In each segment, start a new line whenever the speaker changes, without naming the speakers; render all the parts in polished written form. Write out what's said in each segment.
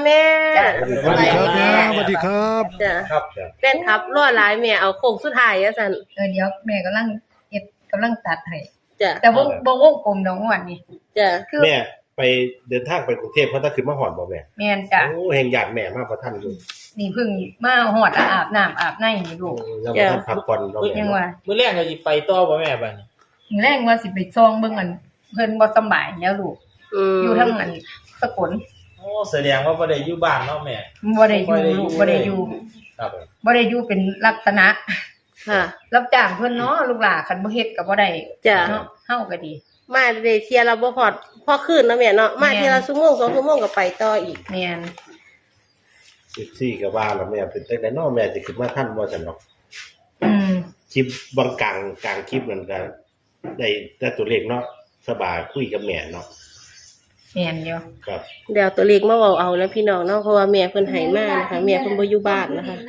แม่
สวัสดีครับแม่สวัสดีครับ
จ้ะ
ครับ
แฟนคลับรอหลายแม่เอาโค้งสุดท้ายอ่ะซั่น
เดี๋ยวแม่กำลังตัดให้
จ้ะ
แต่บ่วงกลมดอกงวดนี่
จ้ะ
คือ
แม่ไปเดินทางไปกรุงเทพเพราะถ้าขึ้นมาหอดบ่แม่
แม่นจ้ะ
โอ้แห่งอยากแม่มากกว่าท่านอยู่
นี่เพิ่งมาฮอดอาบน้ำอาบในนี่ลูก
ยังบ่ทันพักผ่อนเราแม่
ยังว่า
มื้อแรกเราสิไปต่อบ่แม่บัดนี้
มื้อแรกว่าสิไปซองเบิ่งอันเพิ่นบ่สำบายแล้วลูกอยู่ทั้งอันสกล
โอ้แสดงว่าบ่ได้อยู่บ้านเนาะแม่
บ่ได้อยู่ลูกบ่ได้อยู่
ครับ
บ่ได้อยู่เป็นลักษณะ
ค่ะ
รับจ้างเพิ่นเนาะลูกหลานคันบ่เฮ็ดก็บ่ได้
จ้ะ
เนาะเฮาก็ดี
มาได้เที่ยละบ่ฮอดพอคืนเนาะแม่เนาะมาเที่ยละชั่วโมง2ชั่วโมงก็ไปต่ออีก
แม่น
14ก็ว่าแล้วแม่เป็นจังได๋เนาะแม่สิขึ้นมาทันบ่ซั่นเนาะ
อืม
คลิปบางกลางคลิปนั่นก็ได้แต่ตัวเลขเนาะสบายคุยกับแม่เนาะ
แม่นอยู่
ครับ
เดี๋ยวตัวเลขมาเว้าเอานะพี่น้องเนาะเพราะว่าแม่เพิ่นให้มานะคะแม่เพิ่นบ่อยู่บ้านนะคะ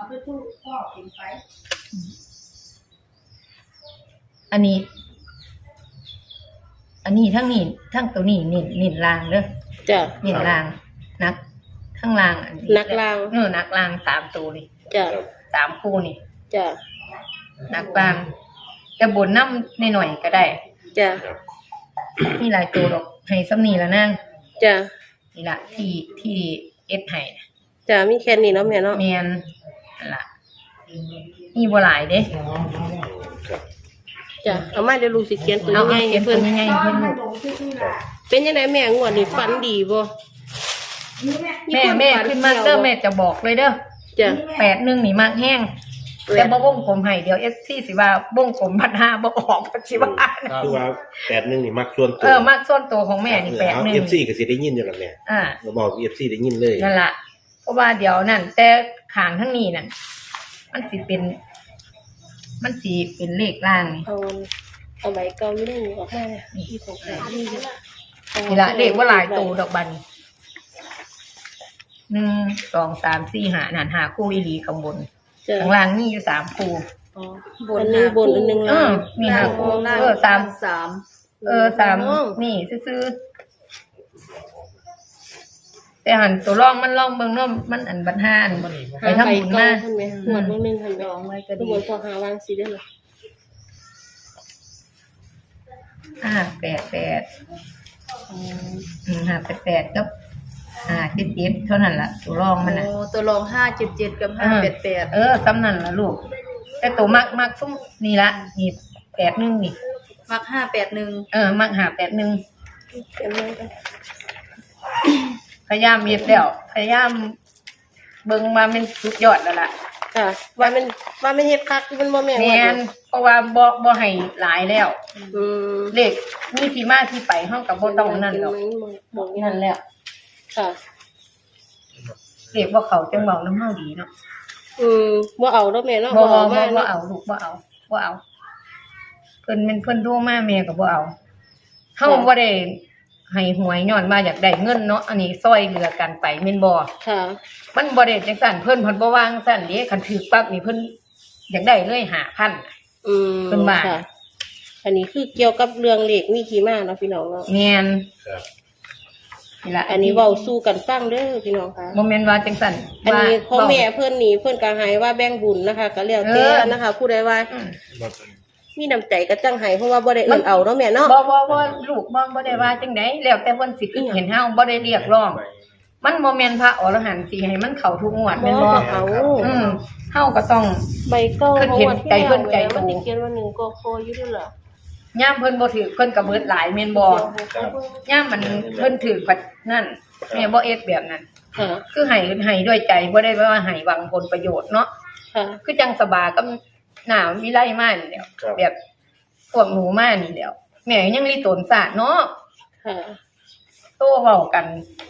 อันนี้ทั้งนี้ทั้งตัวนี้นี่ลางเด้อ
จ้ะ
นี่ลางนักข้างล่างอันนี้
นักลาง
นักลาง3ตัวนี่
จ้ะ
3คู่นี่
จ้ะ
นักลางแต่บนน้ำหน่อยๆก็ได้
จ้ะ
ครับ
มีหลายตัวดอกให้ซ้ำนี่ละนาง
จ้ะ
นี่ละที่เอ็ดให้
จ้ะมีแค่นี้เนาะแม่เนาะ
แมนนั่นล่ะมีบ่หลายเด้
ครับ
จ้ะเอามาเดี๋ยวลูกสิเขียนตัว
เอา
ใหญ่
เขียน
เพิ่
ตัวน ใหญ่ๆเพิ่นลูก
เป็นจังไดแม่งวดนี้ฝันดีบ่
แม่ขึ้นมาเด้อแม่จะบอกเลยเด้อ
จ้ะ
81นี่มากแห้งแต่บ่วงกลมให้เดี๋ยว FC สิว่าวงกลมพันห้าบ่ออกสิว่า
คือว่า81นี่มักส่วนตัว
มากส่วนตัวของแม่นี่
เอา
81
FC ก็สิได้ยินอยู่แล้วแม่
อ่า
เราบอก FC ได้ยินเลย
นั่นล่ะเพราะว่าเดี๋ยวนั่นแต่ขางทั้งนี้นั่นมันสิเป็นเลขล่างนี่
เอาใบเก่าอยู่ในนี้ออกมาเนี่ยที่ของแม่นี่เด้อ
นี่ละเลขว่าหลายตัวดอกบัน1 2 3 4 5นั่น5คู่อีหลีข้างบน
จ้ะ
ข้างล่างมีอยู่3คู่
อ๋ออันหนึงบนอันหนึงล่าง
มี5คู่3นี่ซื่อๆแต่หันตัวร่องมันร่องเบิ่งเนาะมันอันบัดห้าอันไปทำบุญมา
เพิ่นแม่หวดเบิ่งหนึงหั่นแม่ออกมาก็ดีบนพอหาวางสิเด้อล่ะ
588กับ577เท่านั้นล่ะตัวร่องมันน่ะ
โอ้ตัวรอง577กับ588
สำนั่นล่ะลูกแต่ตัวมักซุ่มนี่ละนี่81นี่
มัก581
มัก581
เขียนมากัน
พยายามเฮ็ดแล้วพยายามเบิ่งมาเป็นสุดยอดแล้วล่ะ
ค่ะว่ามันเฮ็ดคักมันบ่แม่น
แม่
ว่าน
เพราะว่าบ่ให้หลายแล้ว
อืม
เลขมีที่มาที่ไปเฮาก็บ่ต้องนั่นดอก
บอก
นั่นแล้ว
ค่ะ
เลขบ่เข้าจังเว้านํเฮาดีเนาะ
บ่เอาเด้อแม่เนาะ
บ่
เอามา
บ่เอาลูกบ่เอาเพิ่นโทรมาแม่ก็บ่เอาเฮาบ่ได้ให้หวยย้อนว่าอยากได้เงินเนาะอันนี้ซอยเหลือกันไปแม่นบ่
ค่ะ
มันบ่ได้จังซั่นเพิ่นบ่วางซั่นเด้คันถือปั๊บนี่เพิ่นอยากได้เลย5,000 เพิ่นว่า
ค่ะ อันนี้คือเกี่ยวกับเรื่องเลขมีที่มาเนาะพี่น้องเนาะ
แม่น
ครับ
นี่ล่ะ
อันนี้เว้าสู่กันฟังเด้อพี่น้องค่ะ
บ่แม่นว่าจังซั่น
อันนี้พ่อแม่
ว่า
เพิ่นนี่เพิ่นก็ให้ว่าแบ่งบุญนะคะ ก็แล้วแต่นะคะ ผู้ใดว่า
อืม
มีน้ำใจก็จังให้เพราะว่าบ่ได้เอิ้นเอาเนาะแม่เนาะ
บ่ลูกบ่ได้ว่าจังได๋แล้วแต่เพิ่นสิคิดเห็นเฮาบ่ได้เรียกร้อง มันบ่แม่นพระอรหันต์สิให้มันเข้าทุกงวดแม่นบ่
เอา
เฮาก็ต้อง
ใบเก่า
เพิ่นเห็นใจเพิ่นใจโต
มันสิเขียนว่า1กคอยู่ด้วยเหรอ
ย่ามเพิ่นบ่ถือเพิ่นก็เบิดหลายแม่นบ่ย่ามมันเพิ่นถือปัดนั่นแม่บ่เอ็ดแบบนั้น
ค่ะ
คือให้ด้วยใจบ่ได้ว่าให้หวังผลประโยชน์เนาะ
ค่ะ
คือจังสบากับหน้าวิไลมานี่แหล้ว
ครับ
แบบพวกหนูมานี่แหล้วแม่ยังรีตนศาสตร์เนาะ
ค่ะ
โตเว้ากัน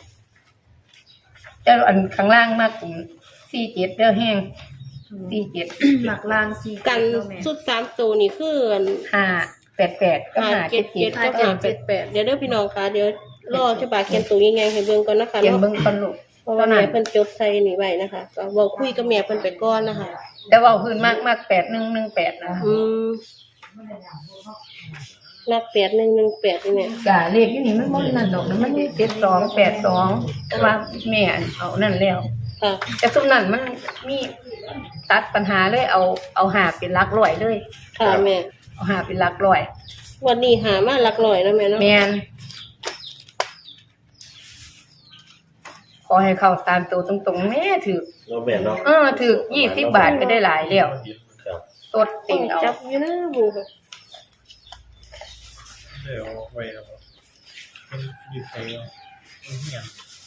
แต่อันข้างล่างมากกลุ่ม47เด้อแห้ง47
มักล่าง4
กันสุด3ตัวนี่คืออัน
588กับ
577
577
กับ588เดี๋ยวเด้อพี่น้องค่ะเดี๋ยวรอฉบาเขียนตัวยังไงให้เบิ่งก่อนนะคะ
เขียน
เนาะ
เบิ่งก่อนลูก
เพราะว่าแม่เพิ่นจดใส่นี่ไว้นะคะก็เว้าคุยกับแม่เพิ่นไปก่อนนะคะ
แต่เว้าพื้นมาก8118นะคะ
อืมนัก8118นี่แม่
กะเลขอยู่นี่มันบ่นั่นดอกนะมันมี7282แต่ว่าแม่เอานั่นแล้ว
ค่ะ
แต่ซุมนั้นมันมีตัดปัญหาเลยเอาหาเป็นหลักร้อยเลย
ค่ะแม่
เอาหาเป็นหลักร้อย
วันนี้หามาหลักร้อยแล้วแม่เนาะ
แม่นขอให้เข้าตามตัวตรงๆแม่ถือ
เนาะแม่เนาะ
ถือ20 บาทก็ได้หลายแล้ว
ครับ
ตดติ่งเอา
จับอยู่นะบู
เดี๋ยวไว้แล้วมันอยู่ไสเนาะเฮีย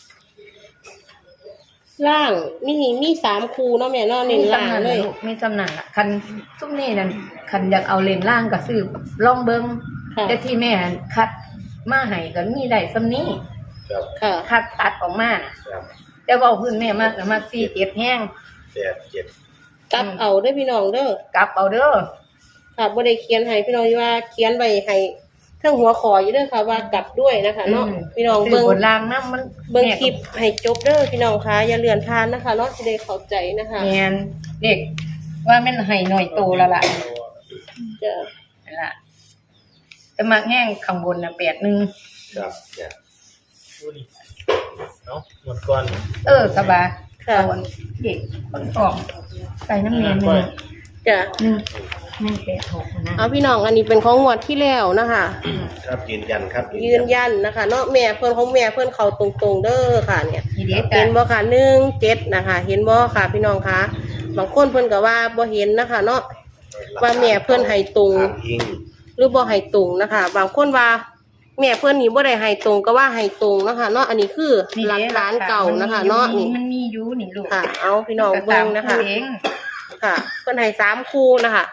ล่างมี3คู่เนาะแม่เนาะเน้นล่างเลย
มีสำนักล่ะคันซุมนี้นั่นคันอยากเอาเลนล่างก็ซื้อลองเบิ่ง
ค่ะ
แต่ที่แม่คัดมาให้ก็มีได้ซำนี้
ครับ
ค่ะ
คัดตัดออกมาน่ะ
ครับ
แต่เว้าพื้นแม่มากก็มัก47แฮง
87
กลับเอาเด้อพี่น้องเด้อก
ลับเอาเด้อ
ค่ะบ่ได้เขียนให้พี่น้องว่าเขียนไว้ให้เทิงหัวขออยู่เด้อค่ะว่ากลับด้วยนะคะเนาะพี่น้อง
ซื้
เบิ่ง
บนล่างนำมัน
เบิ่งคลิปให้จบเด้อพี่น้องคะอย่าเลื่อนทานนะคะเนาะสิได้เข้าใจนะคะ
แม่นเด็กว่ามันให้หน่อยโตแล้วล่ะ
จะ
นั่นล่ะแต่มักแห้งข้างบนน่ะ81
ครับเนี่ย
ดูนี่เนาะหมดก่อน
สบาย
ค่ะ
เอาอันเด็กคนออกใส่น้ำเนียนเลย
จะ
186นะ
เอาพี่น้องอันนี้เป็นของงวดที่แล้วนะคะ
ครับยืนยันครับ
ยืนยันนะคะเนาะแม่เพิ่นของแม่เพิ่นเข้าตรงๆเด้อค่ะเนี่ย
นี่เด็ก
เห็นบ่ค่ะ17นะคะ เห็นบ่ค่ะพี่น้องคะบางคนเพิ่นก็ว่าบ่เห็นนะคะ เนาะว่าแม่เพิ่นให้ตรง
ถามอิง
หรือบ่ให้ตรงนะคะ บางคนว่าแม่เพิ่นนี่บ่ได้ให้ตรงก็ว่าให้ตรงนะคะเนาะอันนี้คือหลักฐานเก่านะคะ เนาะนี่
มันมีอยู่นี่ลูก
ค่ะ เอาพี่น้องเบิ่งนะคะ
เอง
ค่ะเพิ่นให้3คู่นะคะ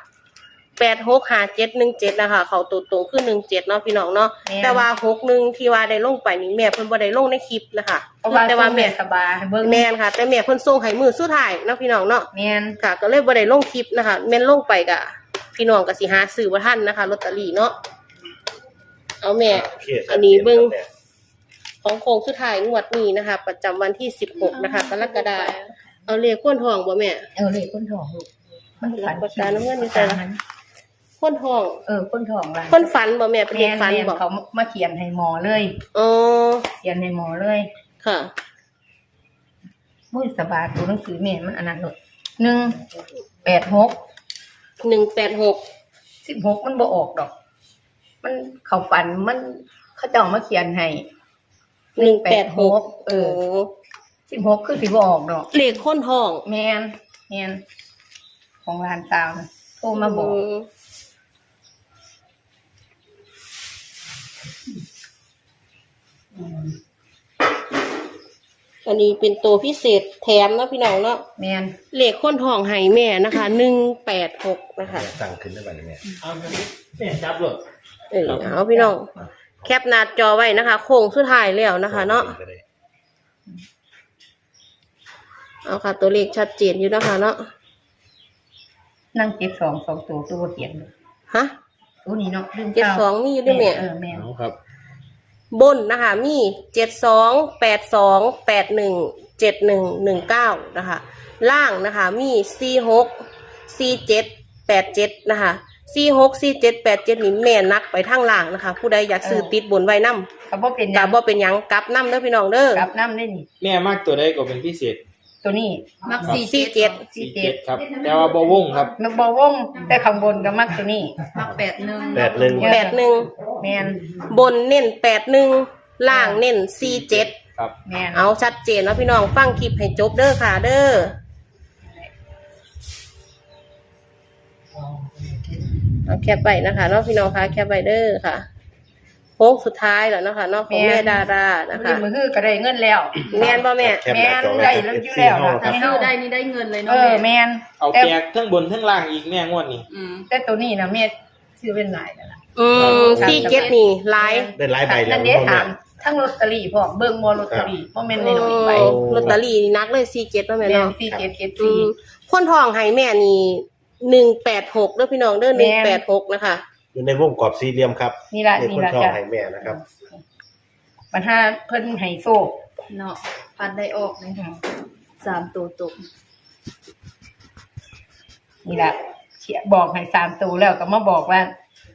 865717นะคะเขาตัวตรงคือ17เนาะพี่น้องเนาะแต่ว่า61ที่ว่าได้ลงไปนี่แม่เพิ่นบ่ได้ลงในคลิปนะคะ
เพราะว่า
แต่ว่าแม่
สบายเบิ่ง
แม่นค่ะ แต่แม่เพิ่นส่งให้มือสุดท้ายเนาะพี่น้องเนาะ
แม่น
ค่ะ ก็เลยบ่ได้ลงคลิปนะคะแม่นลงไปก็พี่น้องก็สิหาซื้อบ่ทันนะคะลอตเตอรี่เนาะเอาแม่
โอเค
อันนี้เบิ่งของโค้งสุดท้ายงวดนี้นะคะ ประจำวันที่16นะคะกรกฎาคมเอาเลขก้นทองบ่แม่
เลยคนท้องลูกมันฝัน
ปากกาน้ำเงินอยู่ใส่ละ ก้นทอง
คนท้องล่ะ
คนฝันบ่แม่เป็นเด็กฝัน
แม่
บ่
เขามาเขียนให้หมอเลย
อ๋อ
เขียนให้หมอเลย
ค่ะ
มุ้ยสบายตัวหนังสือแม่มันอันนั้นลูก186
186
16มันบ่ออกดอก มันเขาฝันมันเขาเจ้ามาเขียนให้
186
เออ 16คือสิบ่ออกดอก
เลขก้นทอง
แมนของร้านสาวนะโทรมาบอก
อันนี้เป็นตัวพิเศษแถมเนาะพี่น้องเนาะ
แมน
เลขก้นทองให้แม่นะคะ186นะคะ
สั่งขึ้นได้ไหมเนี่ย
เอาแม่จับเลย
เอาพี่น้อง แคปหน้าจอไว้นะคะ โค้งสุดท้ายแล้วนะคะเนาะ เอาค่ะ ตัวเลขชัดเจนอยู่นะคะเนาะ
นั่ง72 2ตัวเขียน
ฮะ
ตัวนี้เนาะลืม
72มีอยู่ด้วยแม่
แม่
เอาครับ
บนนะคะมี7282817119นะคะล่างนะคะมี464787นะคะ464787นี่แม่นักไปทางล่างนะคะ ผู้ใดอยากซื้อติดบนไว้นำ
ก็บ่เป็นห
กะ
ยัง
บ่เป็นหยังกลับนำเด้อพี่น้องเด้อก
ลับน้ำได้นี่
แม่มากตัวใดก็เป็นพิเศษ
ตัวนี้
มัก
47
47ครับ แต่ว่าบ่วงครับ
มันบ่วงแต่ข้างบนก็มักตัวนี้
มัก81
81
แมน
บนเน้น81ล่างเน้น47
ครับ
แมน
เอาชัดเจนเนาะพี่น้องฟังคลิปให้จบเด้อค่ะเด้อเอาแคปไว้นะคะเนาะพี่น้องคะแคปไว้เด้อค่ะโค้งสุดท้ายแล้วเนาะค่ะเนาะของแม่ดารานะคะ
มือคือก็ได้เงินแล้ว
แม่นบ่แม่
แคปหน้าจอไว้
แม่นได้แล้วอยู่แล้วล่ะ
ถ้าซื้อได้นี่ได้เงินเลย
เอ
เนาะ
อแม
แม่
น
เอา
แต่
แจกทั้งบนทั้งล่างอีกแม่งวดนี้
แต่ตัวนี้นะแม่ซื้อเป็นหลายแล้วล่ะ
47นี่ไลฟ์
ได้หลายใบแล้ว
นั่นเด้ถามทั้งลอตเตอรี่พร้อมเบิ่งบ่ลอตเตอรี่บ่แม่นในหน่อยไป
ลอตเตอรี่นี่นักเลย47เนาะแม่
แม่น
เนาะ
4774
คนทองให้แม่นี่186เด้อพี่น้องเด้อ
แม่น
186นะคะ
อยู่ในวงกรอบสี่เหลี่ยมครับ
นี่ล่ะ
ใน
นี่
คน
ล่ะ
ทอง
จ้ะ
ให้แม่นะครับ
ปัญหาเพิ่นให้โซก
เนาะพันได้ออกเลย3ตัวตก
นี่ล่ะเขียบอกให้3ตัวแล้วก็มาบอกว่า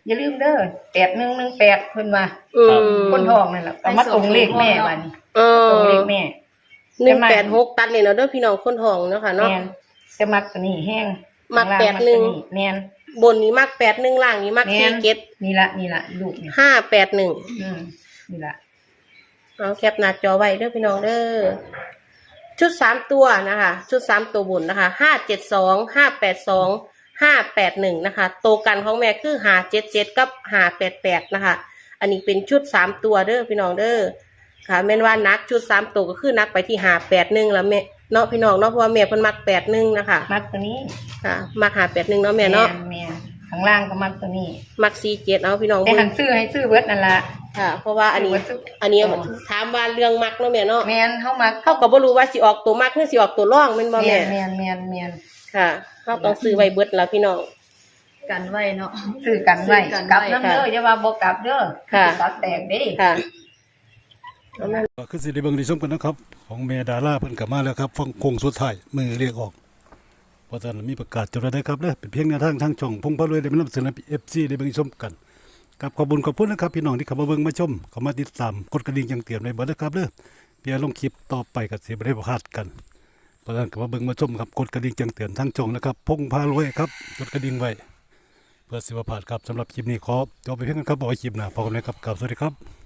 อย่าลืมเด้อ8118เพิ่นว่า
อืม
คนทองนั่นแหละเอามาตรงเลขแม่บัดนี้
เออ
ตรงเลขแม่
186ตัดเลยเนาะเด้อพี่น้องคนทองเนาะค่ะเนาะ
แม่นจะมักตัวนี้แห้ง
มัก
ข้าง
แป
ล่า
ด
ง
หนึ่ง
ตัวแม่น
บนนี้มัก81ล่างนี้มัก
แม่น
47
นี่ละลูกนี่
581
นี่ละ
เอาแคปหน้าจอไว้เด้อพี่น้องเด้อชุด3ตัวนะคะชุด3ตัวบนนะคะ572 582 581นะคะโตวกันของแม่คือ577กับ588นะคะอันนี้เป็นชุด3ตัวเด้อพี่น้องเด้อค่ะแม่นว่านักชุด3ตัวก็คือนักไปที่581แล้วแม่เนาะพี่น้องเนาะเพราะว่าแม่เพิ่นมัก81นะคะ
มักตัวนี้
ค่ะมัก581เนาะแม่เนาะ
แม่นข้างล่างก็มักตัวนี้
มัก47เอาพี่น้อง
แต่
เบิ่
หั
ง
นซื้อให้ซื้อเบิดนั่นละ
ค่ะ เพราะว่าอันนี้
ซื้อ
อันนี้ถามว่าเรื่องมักเนาะแม่เนาะ
แม่นเฮามัก
เขาก็บ่รู้ว่าสิออกตัวมักหรือสิออกตัวร่องแม่นบ่
แม่
แม่
นแม่น
ค่ะเขาต้องซื้อไว้เบิดแล้วพี่น้อง
กันไว้เนาะ
ซื้อกันไว้
ซื้อกันไว้
กลับน้ำเด้ออย่าว่าบ่กลับเด้อ
ค่ะ
ตัดแตกเด้
ค่ะ
ก็คือสิได้เบิ่งได้ชมกันนะครับ ของแม่ดาราเพิ่นกลับมาแล้วครับฟังโค้งสุดท้ายมือเรียกออกเพราะฉะนั้นมีประกาศจบแล้วได้ครับเด้อเป็นเพียงแนวทางทางช่องพงพารวยได้มานำเสนอ FC ได้เบิ่งชมกันกับขอบคุณขอบคุณนะครับพี่น้องที่เข้ามาเบิ่งมาชมเข้ามาติดตามกดกระดิ่งแจ้งเตือนไว้เบิดนะครับเด้อเพื่อลงคลิปต่อไปก็สิบ่ได้พลาดกันเพราะฉะนั้นก็มาเบิ่งมาชมครับกดกระดิ่งแจ้งเตือนทางช่องนะครับพงพารวยครับกดกระดิ่งไว้เพื่อสิบ่พลาดครับสำหรับคลิปนี้ขอจบไปเพียงเท่านี้ครับบอกไว้คลิปหน้าพบกันใหม่ครับสวัสดีครับ